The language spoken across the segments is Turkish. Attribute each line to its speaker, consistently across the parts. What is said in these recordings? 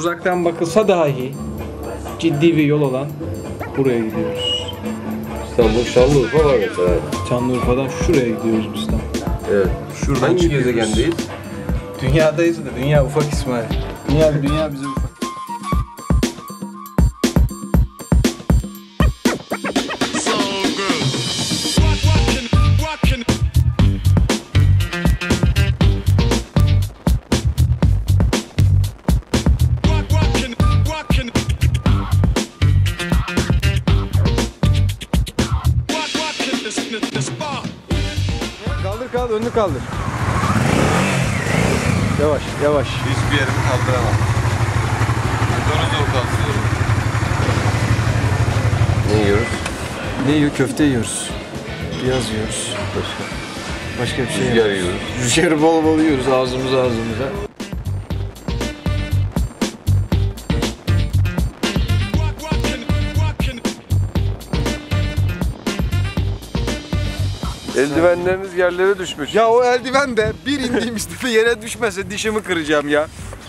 Speaker 1: uzaktan bakılsa dahi ciddi bir yol olan buraya gidiyoruz.
Speaker 2: İstanbul, Şanlıurfa var mesela.
Speaker 1: Şanlıurfa'dan şuraya gidiyoruz biz tam.
Speaker 2: Evet. Şuradan hangi gezegendeyiz?
Speaker 1: Dünyadayız da dünya ufak İsmail. Dünya bize ufak. Kaldır, önünü kaldır. Yavaş.
Speaker 2: Hiçbir yerimi kaldıramam. Motoru zor kaldırıyorum. Ne yiyoruz?
Speaker 1: Ne yiyor? Köfte yiyoruz. Piyaz yiyoruz. Başka bir şey
Speaker 2: Rüzgar yiyoruz.
Speaker 1: Rüzgarı bol bol yiyoruz ağzımıza.
Speaker 2: Eldivenleriniz yerlere düşmüş.
Speaker 1: Ya o eldiven de bir indiğim işte yere düşmese dişimi kıracağım ya.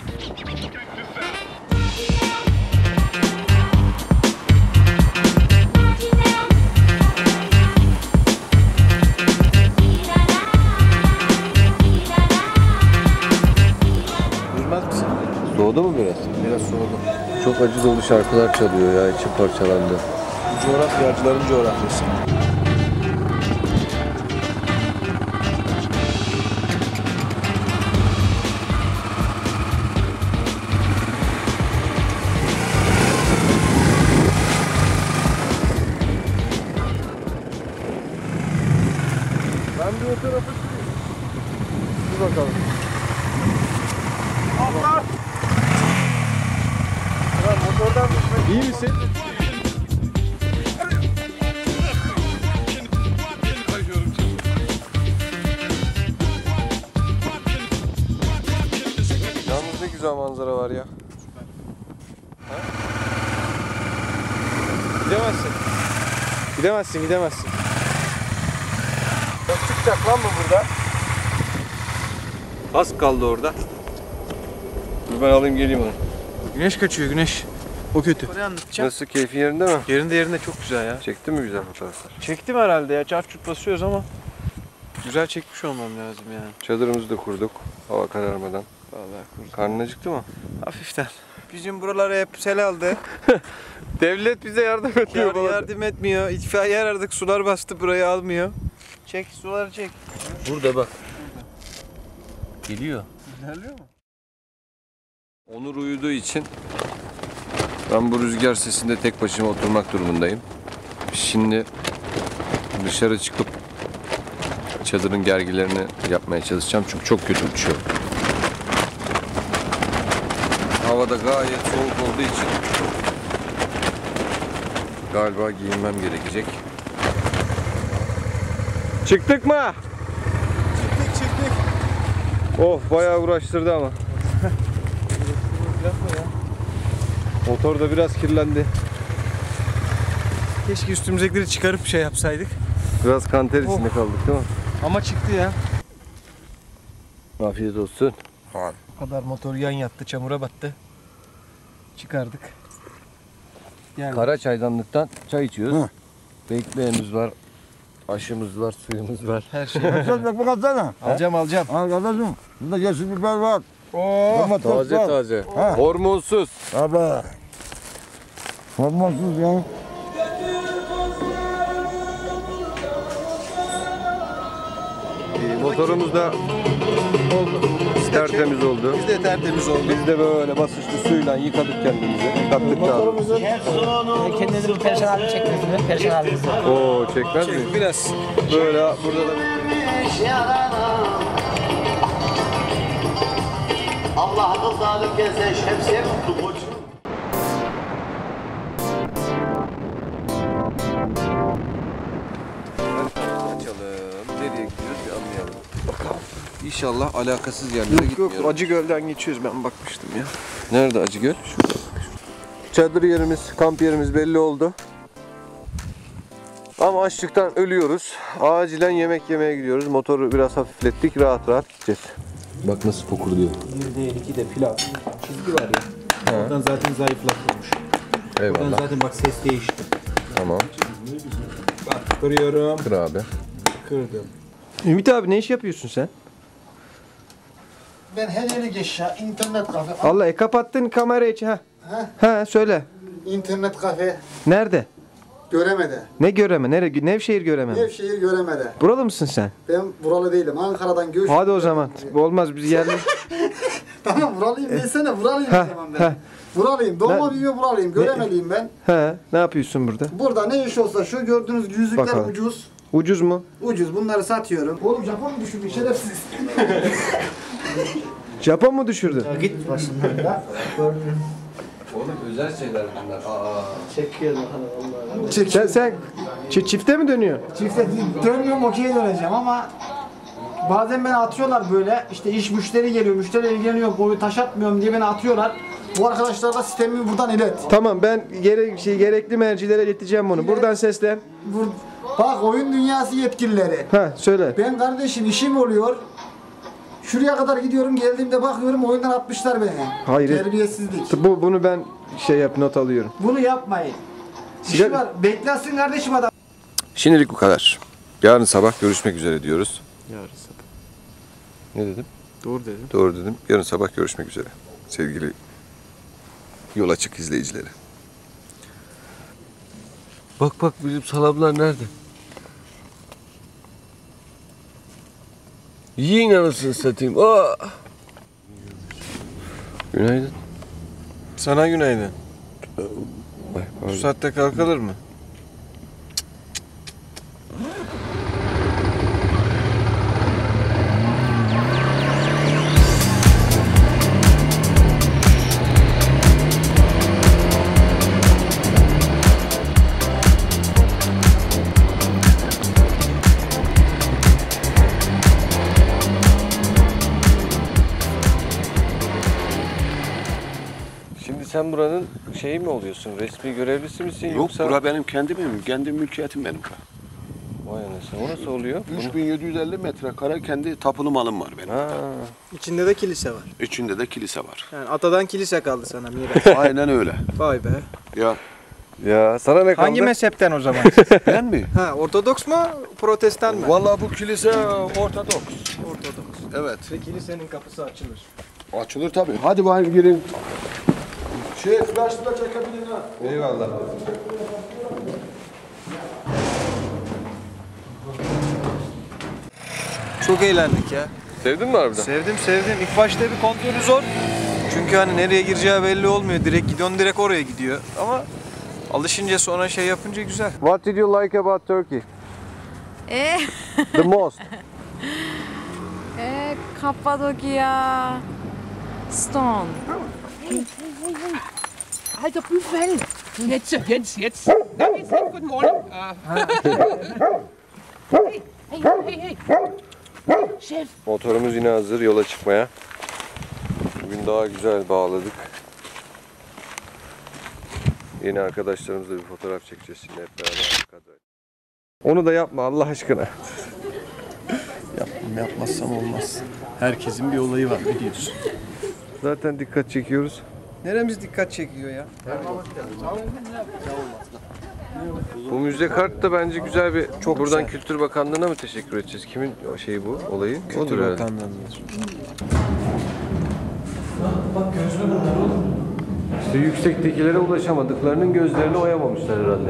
Speaker 1: Durmaz mısın?
Speaker 2: Soğudu mu biraz?
Speaker 1: Biraz soğudu.
Speaker 2: Çok acı dolu şarkılar çalıyor ya, içim parçalandı.
Speaker 1: Bu coğrafyacıların coğrafyası. Ben bir o tarafa çıkayım. Dur bakalım. Allah! Ya motordan düşmek. İyi misin?
Speaker 2: Yalnız ne güzel manzara var ya.
Speaker 1: Gidemezsin. Çok çıkacak lan mı burada? Az kaldı orada.
Speaker 2: Dur ben alayım geleyim onu.
Speaker 1: Güneş kaçıyor, güneş. O kötü.
Speaker 2: Nasıl, keyfin yerinde mi?
Speaker 1: Yerinde çok güzel ya.
Speaker 2: Çektin mi güzel fotoğraflar?
Speaker 1: Çektim herhalde ya. Çarp çut basıyoruz ama güzel çekmiş olmam lazım yani.
Speaker 2: Çadırımızı da kurduk hava kararmadan.
Speaker 1: Vallahi kurdum.
Speaker 2: Karnın acıktı mı?
Speaker 1: Hafiften. Bizim buraları hep sel aldı.
Speaker 2: Devlet bize yardım ediyor.
Speaker 1: Yardım etmiyor. İtfaiye aradık. Sular bastı, burayı almıyor. Çek, suları çek.
Speaker 2: Burada bak. Geliyor.
Speaker 1: İlerliyor mu?
Speaker 2: Onur uyuduğu için ben bu rüzgar sesinde tek başıma oturmak durumundayım. Şimdi dışarı çıkıp çadırın gergilerini yapmaya çalışacağım çünkü çok kötü uçuyor. Havada gayet soğuk olduğu için galiba giyinmem gerekecek. Çıktık mı?
Speaker 1: Çıktık.
Speaker 2: Of bayağı uğraştırdı ama. Motor da biraz kirlendi.
Speaker 1: Keşke üstümüzdekileri çıkarıp şey yapsaydık.
Speaker 2: Biraz kanter içinde kaldık değil mi?
Speaker 1: Ama çıktı ya.
Speaker 2: Afiyet olsun.
Speaker 1: O kadar motor yan yattı, çamura battı. Çıkardık. Yani
Speaker 2: Kara çaydanlıktan çay içiyoruz. Bekleğimiz var, aşımız var, suyumuz var.
Speaker 1: her şey.
Speaker 3: Bak bu katsana.
Speaker 1: alacağım.
Speaker 3: Al kardeşim. Bunda yeşil biber var.
Speaker 1: Oo.
Speaker 3: Domates var.
Speaker 2: Taze.
Speaker 3: Ha.
Speaker 2: Hormonsuz.
Speaker 3: Abi. Hormonsuz ya.
Speaker 2: Motorumuz da
Speaker 1: Oldu.
Speaker 2: tertemiz oldu.
Speaker 1: Biz de tertemiz oldu.
Speaker 2: Biz de böyle basınçlı suyla yıkadık kendimizi. Kattık da.
Speaker 4: Kendinizi perişan halini çektiniz mi? Perişan halinizi.
Speaker 2: Oo çekmez mi?
Speaker 1: Biraz.
Speaker 2: Böyle burada da
Speaker 5: Allah'ın sağlık gelse şemsiye mutlu koçum.
Speaker 2: açalım. Nereye gidiyoruz bir anlayalım. Bakalım. İnşallah alakasız yerlere gitmiyoruz.
Speaker 1: Yok, Acıgöl'den geçiyoruz, ben bakmıştım ya.
Speaker 2: Nerede Acıgöl? Şurada. Çadır yerimiz, kamp yerimiz belli oldu. Ama açlıktan ölüyoruz. Acilen yemek yemeye gidiyoruz. Motoru biraz hafiflettik. Rahat rahat gideceğiz. Bak nasıl fokurduyor.
Speaker 1: Bir değil, iki de pilav. Çizgi var ya.
Speaker 6: Oradan zaten zayıflatılmış. Oradan
Speaker 2: Eyvallah.
Speaker 6: zaten bak ses değişti.
Speaker 2: Tamam.
Speaker 6: Bak kırıyorum.
Speaker 2: Kır abi.
Speaker 6: Kırdım.
Speaker 1: Ümit abi ne iş yapıyorsun sen?
Speaker 7: Ben hediyelik eşya, internet kafe.
Speaker 1: Vallahi kapattın kamerayı. Ha söyle.
Speaker 7: İnternet kafe
Speaker 1: Nerede?
Speaker 7: Göremede.
Speaker 1: Ne göreme? Nevşehir göreme mi?
Speaker 7: Nevşehir Göremede.
Speaker 1: Buralı mısın sen?
Speaker 7: Ben buralı değilim. Ankara'dan göç.
Speaker 1: Hadi o zaman. Olmaz biz yerli.
Speaker 7: Tamam buralıyım desene. Buralıyım
Speaker 1: Ha,
Speaker 7: o zaman
Speaker 1: ha.
Speaker 7: ben. Buralıyım. Doğma büyüme buralıyım. Göremeliyim ben.
Speaker 1: He, ne yapıyorsun burada?
Speaker 7: Burada ne iş olsa şu gördüğünüz yüzükler
Speaker 1: Bakalım.
Speaker 7: ucuz.
Speaker 1: Ucuz mu?
Speaker 7: Ucuz. Bunları satıyorum. Oğlum Japon mu düşürdün şerefsiz?
Speaker 1: Japon mu düşürdün?
Speaker 7: Git başından ya.
Speaker 2: Oğlum özel şeyler bunlar.
Speaker 1: Sen çifte mi dönüyor?
Speaker 7: Çifte dönmüyorum okey'e döneceğim ama bazen beni atıyorlar böyle. İşte iş müşteri geliyor. Müşteri ilgileniyor. Boyu taş atmıyorum diye beni atıyorlar. Bu arkadaşlara da sistemimi buradan ilet.
Speaker 1: Tamam ben gerekli mercilere ileteceğim bunu. Buradan seslen.
Speaker 7: Bak oyun dünyası yetkilileri.
Speaker 1: Ha söyle.
Speaker 7: Ben kardeşim işim oluyor. Şuraya kadar gidiyorum geldiğimde bakıyorum oyundan atmışlar beni.
Speaker 1: Hayret.
Speaker 7: Terbiyesizlik.
Speaker 1: Bunu ben not alıyorum.
Speaker 7: Bunu yapmayın. İşi
Speaker 1: Sigara-
Speaker 7: var. Beklesin kardeşim adam.
Speaker 2: Şimdilik bu kadar. Yarın sabah görüşmek üzere diyoruz.
Speaker 1: Yarın sabah.
Speaker 2: Ne dedim?
Speaker 1: Doğru dedim.
Speaker 2: Doğru dedim. Yarın sabah görüşmek üzere. Sevgili Yol Açık izleyicileri. Bak bizim salamlar nerede? Yiyin anasını satayım. Aa! Günaydın.
Speaker 1: Sana günaydın.
Speaker 2: Ay,
Speaker 1: Bu
Speaker 2: pardon.
Speaker 1: saatte kalkılır mı?
Speaker 2: Şimdi sen buranın şeyi mi oluyorsun? Resmi görevlisi misin
Speaker 8: Yok,
Speaker 2: yoksa?
Speaker 8: bura benim kendi mülkiyetim benim.
Speaker 2: Vay anasını. O nasıl oluyor?
Speaker 8: 3750 metrekare kendi tapulu malım var benim.
Speaker 2: Ha.
Speaker 6: İçinde de kilise var.
Speaker 8: İçinde de kilise var.
Speaker 6: Yani atadan kilise kaldı sana miras.
Speaker 8: Aynen öyle.
Speaker 6: Vay be.
Speaker 8: Ya
Speaker 2: Ya sana ne kaldı?
Speaker 6: Hangi mezhepten o zaman?
Speaker 8: ben mi?
Speaker 6: Ha, Ortodoks mu, Protestan mı?
Speaker 8: Vallahi bu kilise Ortodoks.
Speaker 6: Ortodoks.
Speaker 8: Evet.
Speaker 6: Ve kilisenin kapısı açılır.
Speaker 8: Açılır tabii. Hadi bakayım girin. Flash da çekebilin ha.
Speaker 1: Eyvallah. Çok eğlendik ya.
Speaker 2: Sevdin mi harbiden?
Speaker 1: Sevdim. İlk başta bir kontrolü zor. Çünkü hani nereye gireceği belli olmuyor. Direkt oraya gidiyor. Ama alışınca sonra şey yapınca güzel.
Speaker 2: What did you like about Turkey? The most.
Speaker 9: Kappadokya. Stone.
Speaker 10: Halt doch Büffel! Jetzt! Na, jetzt, guten Morgen. Hey! Chef!
Speaker 2: Motorumuz yine hazır yola çıkmaya. Bugün daha güzel bağladık. Yeni arkadaşlarımızla bir fotoğraf çekeceğiz şimdi hep beraber. Onu da yapma Allah aşkına.
Speaker 1: Yapmazsam olmaz. Herkesin bir olayı var biliyorsun.
Speaker 2: Zaten dikkat çekiyoruz.
Speaker 1: Neremiz dikkat çekiyor ya?
Speaker 2: Bu müze kart da bence güzel bir... Buradan Kültür Bakanlığı'na mı teşekkür edeceğiz? Kimin o şeyi bu olayı?
Speaker 1: Kültür
Speaker 2: Odur herhalde.
Speaker 1: Bakanlığı'nın.
Speaker 2: İşte yüksektekilere ulaşamadıklarının gözlerini oyamamışlar herhalde.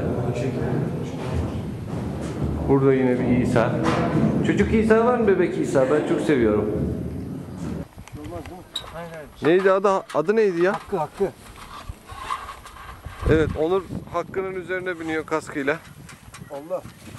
Speaker 2: Burada yine bir İsa. Çocuk İsa var mı, bebek İsa? Ben çok seviyorum. Neydi adı neydi ya?
Speaker 7: Hakkı.
Speaker 2: Evet, Onur Hakkı'nın üzerine biniyor kaskıyla.
Speaker 7: Allah.